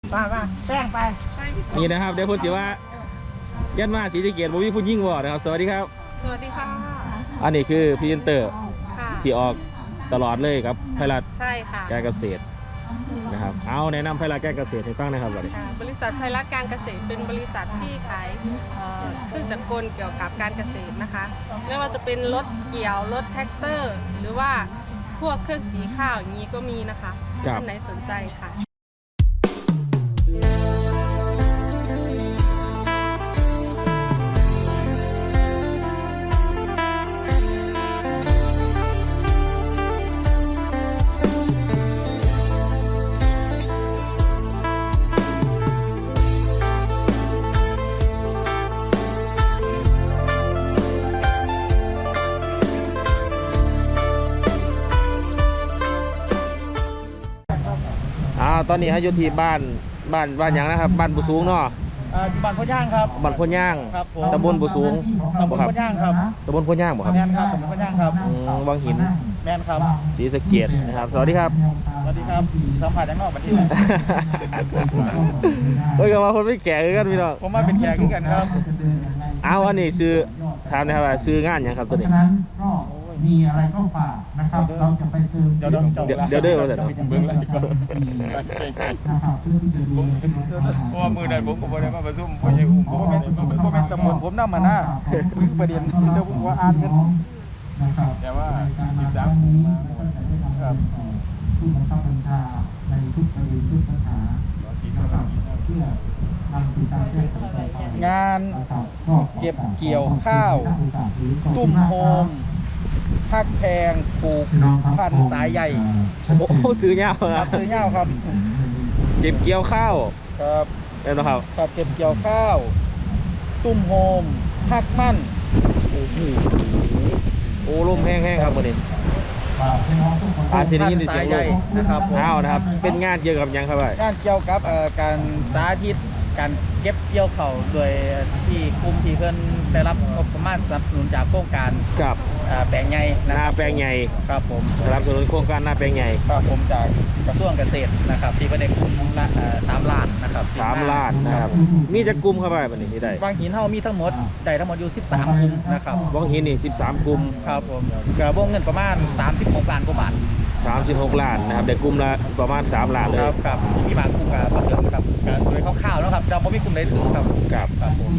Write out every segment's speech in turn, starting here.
มาแป้งไปนี่นะครับเดี๋ยวพูดสิว่ายันมาศรีสะเกษบ่มีผู้ยิ่งบ่นะครับสวัสดีครับสวัสดีค่ะอันนี้คือพรีเซนเตอร์ที่ออกตลอดเลยครับไพรัตใช่ค่ะการเกษตรนะครับเอาแนะนำไพรัตการเกษตรให้ฟังนะครับบริษัทไพรัตการเกษตรเป็นบริษัทที่ขายเครื่องจักรกลเกี่ยวกับการเกษตรนะคะไม่ว่าจะเป็นรถเกี่ยวรถแท็กเตอร์หรือว่าพวกเครื่องสีข้าวอย่างนี้ก็มีนะคะท่านไหนสนใจค่ะตอนนี้ให้อยู่ที่บ้านอย่างนะครับบ้านบุสูงเนาะบ้านพ่อย่างครับบ้านพ่อย่างครับตำบลบุสูงตำบลพ่อย่างครับตำบลพ่อย่างบ่ครับแม่นครับตำบลพ่อย่างครับวังหินแม่นครับศรีสะเกษนะครับสวัสดีครับสวัสดีครับสัมผัสจากนอกประเทศเฮ้ยก็มาคนไม่แก่กันพี่น้องผมมาเป็นแขกกันครับเอาอันนี้ซื้อถามนะครับว่าซื้องานยังครับตัวนี้มีอะไรก็ฝากนะครับเราจะไปซื้อเดี๋ยวเด้อเบิ่งแล้วเพราะว่ามือนั้นผมก็บ่ได้มาประชุมพ่อใหญ่อุ้มผมเป็นตำบลผมนำมาหน้าคุยประเด็นเดี๋ยวผมว่าอ่านกันแต่ว่า 13นี้ครับผู้บังคับบัญชาในทุกประเด็นทุกปัญหาเพื่อนำสู่การแก้ไขปัญหางานเก็บเกี่ยวข้าวตุ้มโฮมพักแพงปลูกพันธุ์สายใหญ่โอ้ซื้อเงาครับซื้อเงาครับเก็บเกี่ยวข้าวครับเป็นนะครับครับเก็บเกี่ยวข้าวตุ้มโฮมพักมั่นโอ้ลมแห้งๆครับวันนี้ชนิดสายใหญ่นะครับนะครับเป็นงานเกี่ยวกับยังครับงานเกี่ยวกับการสาธิตการเก็บเกี่ยวข้าวโดยที่กลุ่มที่เพิ่นได้รับงบประมาณสนับสนุนจากโครงการกับแปลงใหญ่หน้าแปลงใหญ่ครับผมสนับสนุนโครงการหน้าแปลงใหญ่ครับผมจากกระทรวงเกษตรนะครับที่ประเด็นกลุ่มละ3 ล้านนะครับ 3 ล้านนะครับมีจะกลุ่มเข้าไปวันนี้ที่ได้วังหินเฮามีทั้งหมดได้ทั้งหมดอยู่13กลุ่มนะครับวังหินนี่13กลุ่มครับผมกระวงเงินประมาณ36 ล้านกว่าบาท 36 ล้านนะครับได้กลุ่มละประมาณ3 ล้านเลยครับมีบางกลุ่มกับเพิ่มกับโดยคร่าวๆนะครับเราไม่มีกลุ่มใดถึงครับครับผม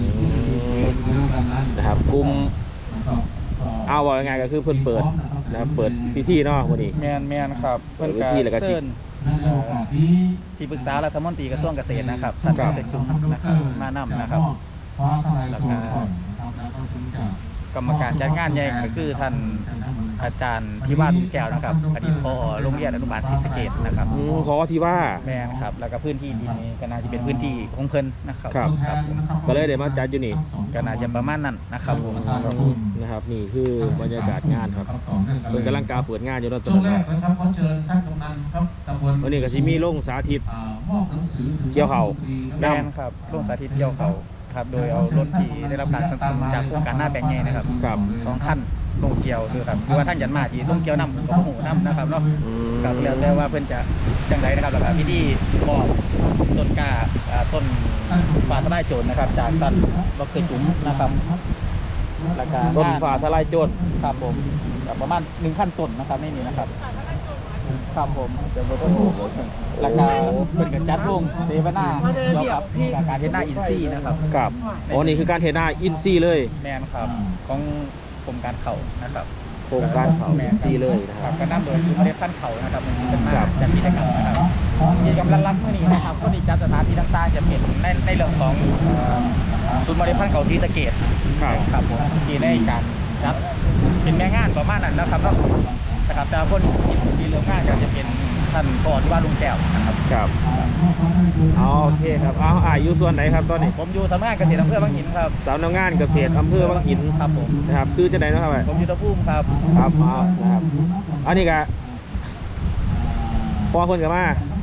นะครับกลุ่มเอาว่าไงก็คือเพิ่นเปิดนะครับเปิดพิธีเนาะวันนี้แมนครับเปิดพิธีแล้วก็สิที่ปรึกษารัฐมนตรีกระทรวงเกษตรนะครับท่านเป็นจุ่มนะครับมานำนะครับแล้วก็กรรมการจัดงานใหญ่ก็คือท่านอาจารย์ที่ว่าลุงแก้วนะครับอดีตผอโรงเรียนอนุบาลศรีสะเกษนะครับขอที่ว่าแม่ครับแล้วก็พื้นที่นี้ก็น่าจะเป็นพื้นที่ของเพิ่นนะครับก็เลยได้มาจัดอยู่นี่ก็น่าจะประมาณนั้นนะครับผมนะครับนี่คือบรรยากาศงานครับเพิ่นกำลังการเปิดงานอยู่ตอนนี้นะครับขอเชิญท่านกำนันครับตำบลวันนี้ก็สิมีลงสาธิตเกี่ยวข้าวแม่ครับลงสาธิตเกี่ยวข้าวครับโดยเอารถที่ได้รับการสนับสนุนจากโครงการหน้าแปลงใหญ่นะครับ2 คันลงเกี่ยวด้วยครับคือว่าท่านยันมาที่ลงเกี่ยวน้ำกับหูน้ำนะครับเนาะกับแล้วแต่ว่าเพื่อนจะจังไรนะครับแล้วก็พิธีบอกต้นกาต้นฟ้าทลายโจรนะครับจากต้นดอกเตอร์จุ๋มนะครับแล้วก็ต้นฟ้าทลายโจรครับผมประมาณ1,000 ต้นนะครับนี่นะครับครับผมเป็นรถราคาเป็นการจัดวงเซฟน่าเราครับการเทน่าอินซี่นะครับครับอ๋อนี่คือการเทน่าอินซี่เลยแมนครับของโครงการเขานะครับโครงการเขาอินซี่เลยนะครับก็นำโดยคือเมล็ดพันธุ์เขานะครับมันเป็นมาจากกิจกรรมนะครับกิจกรรมรัดๆเมื่อนี้นะครับก็มีจัดสถานที่ต่างๆจะเป็นในเรื่องของศูนย์เมล็ดพันธุ์เขาศรีสะเกษครับผมที่ในการจัดเป็นแม่งานประมาณนั้นนะครับนะครับแต่คนที่เรื่องงานก็จะเป็นท่านพ่อที่ว่าลุงแก้วนะครับครับโอเคครับอยู่ส่วนไหนครับตอนนี้ผมอยู่สำนักงานเกษตรอำเภอบางหินครับสำนักงานเกษตรอำเภอบางหินครับผมนะครับซื้อจะไหนนะครับผมอยู่ตะพุ่มครับนะครับอันนี้ก็พอคนกับมา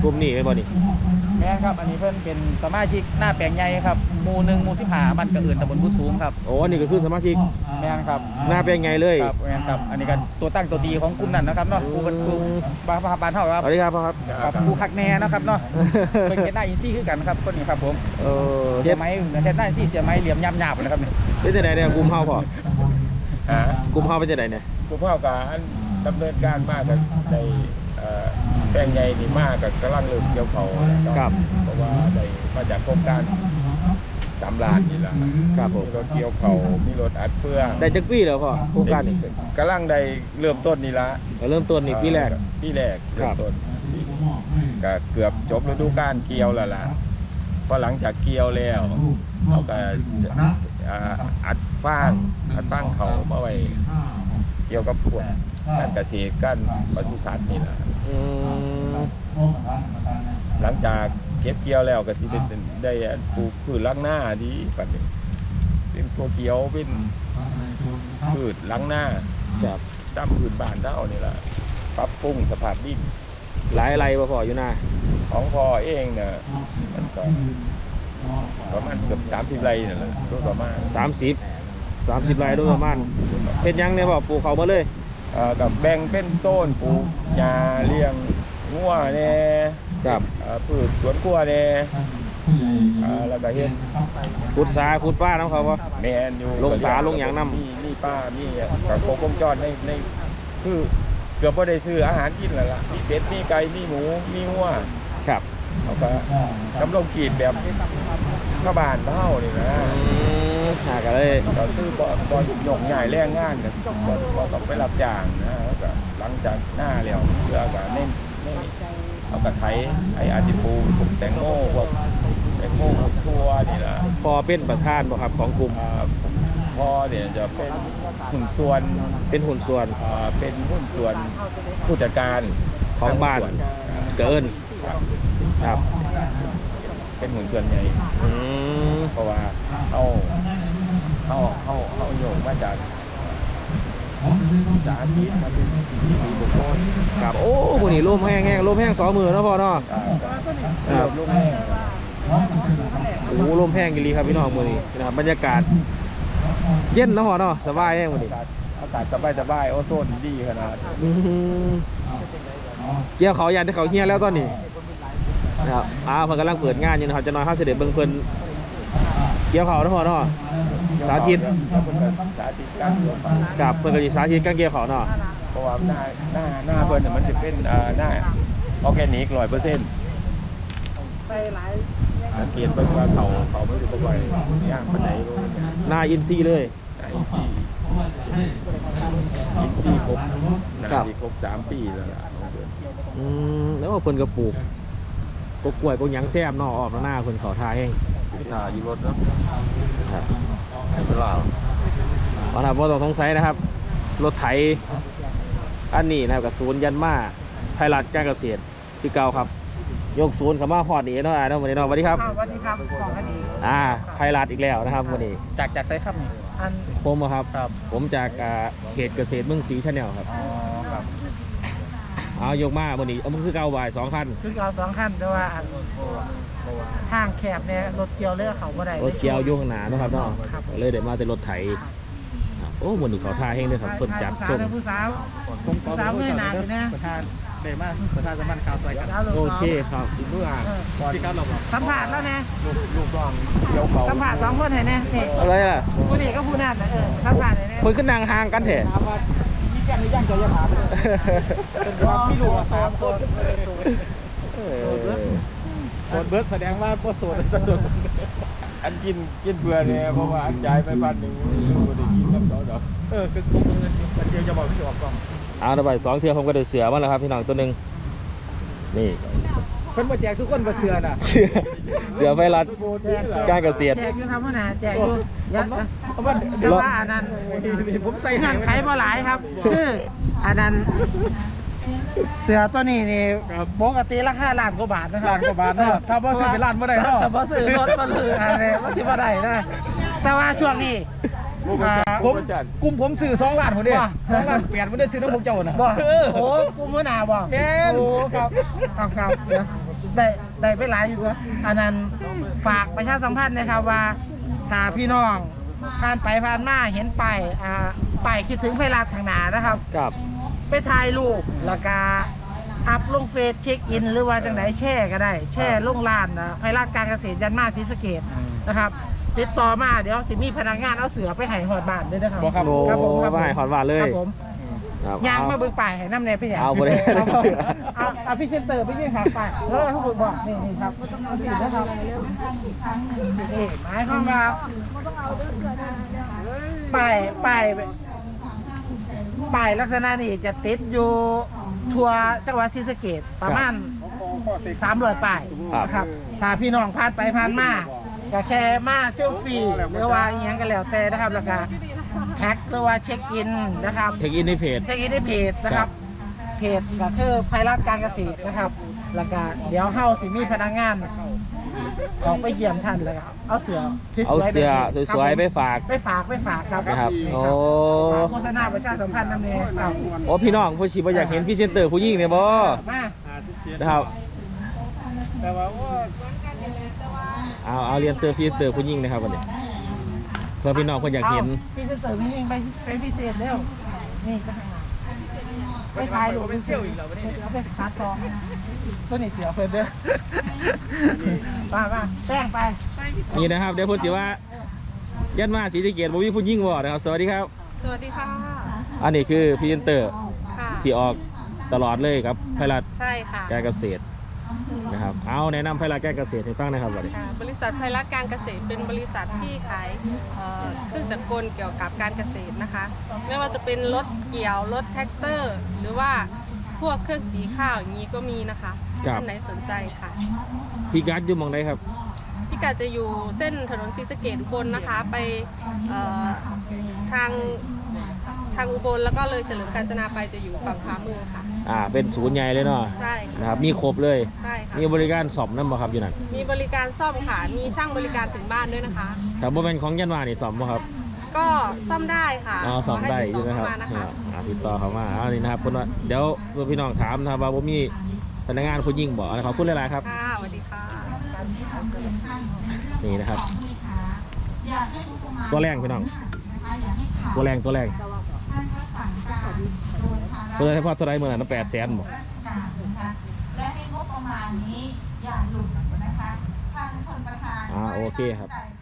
กลุ่มนี้เป็นบ่นี่แม่นครับอันนี้เพิ่นเป็นสมาชิกหน้าแปลงใหญ่ครับหมู่1หมู่15บ้านกระเอื่นตำบลผู้สูงครับโอ้อันนี้ก็คือสมาชิกแม่นครับหน้าเป็นไงเลยครับแม่นครับอันนี้ก็ตัวตั้งตัวดีของกลุ่มนั้นนะครับเนาะผู้เป็นผู้บ้านเฮาครับสวัสดีครับพ่อครับครับผู้คักแน่นะครับเนาะเพิ่นเฮ็ดหน้าอินซี่คือกันครับคนนี้ครับผม เสีเฮ็ยดไม้เฮ็ดหน้าอินซี่เสียไม้เหลี่ยมหยาบๆนะครับนี่เป็นจังไดเนี่ยกลุ่มเฮาพ่อฮะกลุ่มเฮาเป็นจังไดเนี่ยผู้พ่อการดำเนินการมากกับในแปลงใหญ่นี่มากกับกำลังเริ่มเกี่ยวเขานะครับเพราะว่าได้มาจากโครงการ3 ล้านนี่แหละครับผมมีรถเกี่ยวเขามีรถอัดเฟืองได้จักปีแล้วพ่อโครงการนี้กำลังได้เริ่มต้นนี่ละเริ่มต้นนี่ปีแรกปีแรกครัเริ่บมต้นก็เกือบจบฤดูกาลเกี่ยวแล้วล่ะพอหลังจากเกี่ยวแล้วเขาก็อัดฟางเขามาไว้เกี่ยวกับพวกการเกษตรการปศุสัตว์นี่แหละอืมหลังจากเก็บเกี่ยวแล้วก็ที่ได้ปลูกพืชล้างหน้าดีปัจจุบันเป็นตัวเขียวเป็นพืชล้างหน้าครับตามพืชบ้านเท่านี่แหละปรับปรุงสภาพดินหลายไรบ่พ่ออยู่หน้าของพ่อเองเนี่ยมันก็ประมาณเกือบ30 ไร่นั่นแหละตัวประมาณ 30ไรโดยประมาณเฮ็ดหยังเนี่ยพ่อปลูกเขามาเลยกับแบ่งเป็นโซนปลูกหญ้าเลี้ยงงัวแน่ครับพืชสวนครัวแน่แล้วก็เฮ็ดขุดสาขุดป้าน้ำเขาบ่แม่นอยู่ลงสาลงหยังนำมีป้ามีกับโคกงจรในคือเกือบบ่ได้ซื้ออาหารกินแล้วล่ะมีเป็ดมีไก่มีหมูมีงัวครับเขาก็กำลังกีดแบบข้าวบานเท่านี่นะหากันเลยเราซื้อบ่หยกใหญ่แรงงานเนี่ยบ่ต้องไปรับจ้างนะแล้วก็หลังจากหน้าแล้วเพื่อก็เน้นเอากระไถอาจิปูพวกแตงโมพวกแตงโมพวกทั่วนี่ล่ะพอเป็นประธานบ่ครับของกลุ่มพ่อเนี่ยจะเป็นหุ้นส่วนเป็นหุ้นส่วนเป็นหุ้นส่วนผู้จัดการของบ้านหุ้ส่วเกินครับครับเป็นหุ้นส่วนใหญ่อืมเพราะว่าเขาโยงมาจากสาธิตมาเป็นที่มีบุคคลครับโอ้พวกนี้ร่มแห้งร่มแห้ง2 มือเนาะพ่อเนาะ ครับลูกแม่โอ้ร่มแห้งกิลีครับพี่น้องมื้อนี้นะครับบรรยากาศเย็นเนาะพ่อเนาะสบายแห้งมื้อนี้อากาศสบายโอโซนดีขนาดอืมเกี่ยวเขายันที่เขาเฮียแล้วตอนนี้นะครับเพิ่นกำลังเปิดงานอยู่นะครับจะน้อยเฮาสิได้เบิ่งเพิ่นเกี่ยวเขาเนาะพ่อเนาะสาธิตสาธิตการเมืองกับเพิ่นก็สิสาธิตการเกี่ยวเขาเนาะเพราะว่าหน้าเพิ่นน่ะมันจะเป็นหน้าออร์แกนิก 100% ใส่หลายสังเกตเบิ่งว่าเขาไม่ได้บ่ไหวย่างปานใดบ่หน้าอินซีย์เลยอินซี่ครบน่าครับสิครบ3 ปีแล้วล่ะของเพิ่นแล้วเพิ่นก็ปลูกกกล้วยกหยังแซ่บเนาะออกหน้าเพิ่นเขาทาแห้งถ่ายอยู่รถเนาะครับเป็นลาวว่าถ้าบ่ต้องสงสัยนะครับรถไถอันนี้นะครับกับศูนย์ยันมาไทยรัฐการเกษตรที่เก่าครับยกศูนย์เข้ามาฮอดนี่เนาะวันนี้เนาะสวัสดีครับสวัสดีครับของคดีไทยรัฐอีกแล้วนะครับวันนี้จากไซครับนี่อันผมอะครับครับผมจากเพจเกษตรเมืองศรีชาแนลครับอ๋อครับเอายกมาวันนี้เอามันคือเก่าบ่าย2 คันคือเอา2 ขั้นแต่ว่าทางแคบเนี่ยรถเกี่ยวเลือกเขาบ่ได้รถเกี่ยวอยู่ข้างหน้าเนาะครับเนาะครับเลยเดี๋ยวมาแต่รถไถครับโอ้วันนี้เขาทาแห้งเลยครับเพิ่นจัดผู้ส้สาวมผู้สาวผมขอสาวไม่นานอยู่นะประธานเดมาประธานสมันข่าวใส่กันสาวลูกโอน้องเคครับเมื่อก่อนที่ครับเราบอกสัมผัสแล้วนะลูกน้องเกี่ยวเขาสัมผัส2 คนให้แน่นี่อะไรล่ะผู้นี้ก็ผู้นั้นน่ะสัมผัสให้แน่เพิ่นขึ้นนางห่างกันแท้ถามว่ามีแจ้งหรือยังจะถามเลยเป็นว่าพี่ลูก3 คนโสดเบิร์ดแสดงว่าก็โสดอันกินเบื่อเนี่ยเพราะว่าอันจ่ายไป1,000รู้ได้กินกับเขาดอกคือคงเงินมันเดียวจะบอกพี่ออกกล้องเอาระบาย2 เทื่อผมก็ได้เสือมาแล้วครับพี่น้องตัวหนึงนี่เพิ่นมาแจกทุกคนมาเสือน่ะเสือไฟรัดการเกษตรแจกอยู่ครับพ่อน่ะแจกอยู่เยอะนะเอาว่าแต่ว่าอันนั้นผมใส่เงื่อนไขบ่หลายครับคืออันนั้นเสือตัวนี้นี่ปกติราคาล้านกว่าบาทนะครับล้านกว่าบาทเนาะถ้าบ่ซื้อเป็นล้านบ่ได้เนาะถ้าบ่ซื้อรถบ่ซื้ออะไรบ่สิบ่ได้นะแต่ว่าช่วงนี้ผมกลุ่มผมซื้อ2 ล้านคนเดียวว่า 2 ล้าน8คนเดียวซื้อน้ำผมเจ้าน่ะบ่โอ้กูมื้อหน้าบ่แม่นโอ้ครับครับเดี๋ยวได้ไปหลายอยู่ตัวอันนั้นฝากประชาสัมพันธ์นะครับว่าถ้าพี่น้องผ่านไปผ่านมาเห็นป้ายคิดถึงไพรัฐทางหนานะครับครับไปถ่ายรูปแล้วก็อัพลงเฟซเช็คอิน หรือว่าจังไหนแช่ก็ได้ แช่ลงร้านไพรัฐการเกษตรยันมาศรีสะเกษนะครับ ติดต่อมาเดี๋ยวสิมีพนักงานเอาเสือไปให้หอดบ้านด้วยนะครับบ่ครับโอ้ครับผมครับผมไม่หอดหวานเลยครับผมครับยางมาเบิ่งป่ายให้น้ำแน่พี่ใหญ่เอาบ่ได้เอาพี่เซนเตอร์พี่ยิ่งขาป่ายแล้วทุกคนบอกนี่ครับเอาสินะครับนี่หมายความว่าป้ายลักษณะนี้จะติดอยู่ทั่วจังหวัดศรีสะเกษประมาณ300ป้ายนะครับถ้าพี่น้องผ่านไปผ่านมาก็แค่มาเซลฟี่หรือว่าอย่างก็แล้วแต่นะครับแล้วก็แท็กหรือว่าเช็คอินนะครับเทคอินในเพจเช็คอินในเพจนะครับ เพจก็คือไพรัฐการเกษตรนะครับ แล้วก็เดี๋ยวเฮาสิมีพนักงานออกไปเยี่ยมท่านแล้วก็เอาเสือสวยๆเอาเสื้อสวยๆไปฝากไปฝากครับนะครับนี่โอ้ฝากโฆษณาประชาสัมพันธ์นำเนี่ยครับโอ้พี่น้องผู้ชีพอยากเห็นพรี่เซนเตอร์ผู้หญิงเนี่ยบ่มานะครับแต่ว่าเอาเรียนเสื้อพรี่เซนเตอร์ผู้หญิงนะครับวันนี้เพื่อพี่น้องคนอยากเห็นพี่จะเสริมยิ่งไปเป็นพิเศษเร็วนี่ก็ทางไปถ่ายรูปเป็นเซี่ยวอีกแล้วเอาไปคัดซองตัวนี้เสียเพิ่นเด้อมาแป้งไปนี่นะครับเดี๋ยวพูดสิว่ายันมาศรีสะเกษบ่มีผู้หญิงบ่นะครับสวัสดีครับสวัสดีค่ะอันนี้คือพรี่เซนเตอร์ค่ะที่ออกตลอดเลยครับไพรัฐใช่ค่ะการเกษตรนะครับเอาแนะนำไพรัฐการเกษตรให้ฟังนะครับวันนี้ค่ะบริษัทไพรัฐการเกษตรเป็นบริษัทที่ขายเครื่องจักรกลเกี่ยวกับการเกษตรนะคะ ไม่ว่าจะเป็นรถเกี่ยวรถแท็กเตอร์ หรือว่าพวกเครื่องสีข้าวอย่างนี้ก็มีนะคะท่านไหนสนใจค่ะพี่กัดอยู่หมองใดครับพิกัดจะอยู่เส้นถนนศรีสะเกษอุบลนะคะ ไปทางอุบลแล้วก็เลยเฉลิมกาญจนาไปจะอยู่ฝั่งขวามือค่ะเป็นศูนย์ใหญ่เลยเนาะใช่นะครับมีครบเลยใช่ค่ะมีบริการสอบน้ำบ่ครับอยู่นั่นมีบริการซ่อมค่ะ มีช่างบริการถึงบ้านด้วยนะคะครับบ่เป็นของยันวานี่สอบบ่ครับก็ซ่อมได้ค่ะสอบได้ขอยู่ให้นะครับติดต่อเข้ามานะคะติดต่อเขามานี่นะครับคนว่าเดี๋ยวพี่น้องถามนะครับว่าบ่มีพนักงานผู้หญิงบ่ขอบคุณหลายๆครับค่ะสวัสดีค่ะนี่นะครับ ตัวแรงพี่น้องตัวแรงตัวเฉพาะตัวใดเมื่อนั้น800,000บ่และในงบประมาณนี้อย่าหลุดนะคะทางชนประธานโอเคครับจ่าย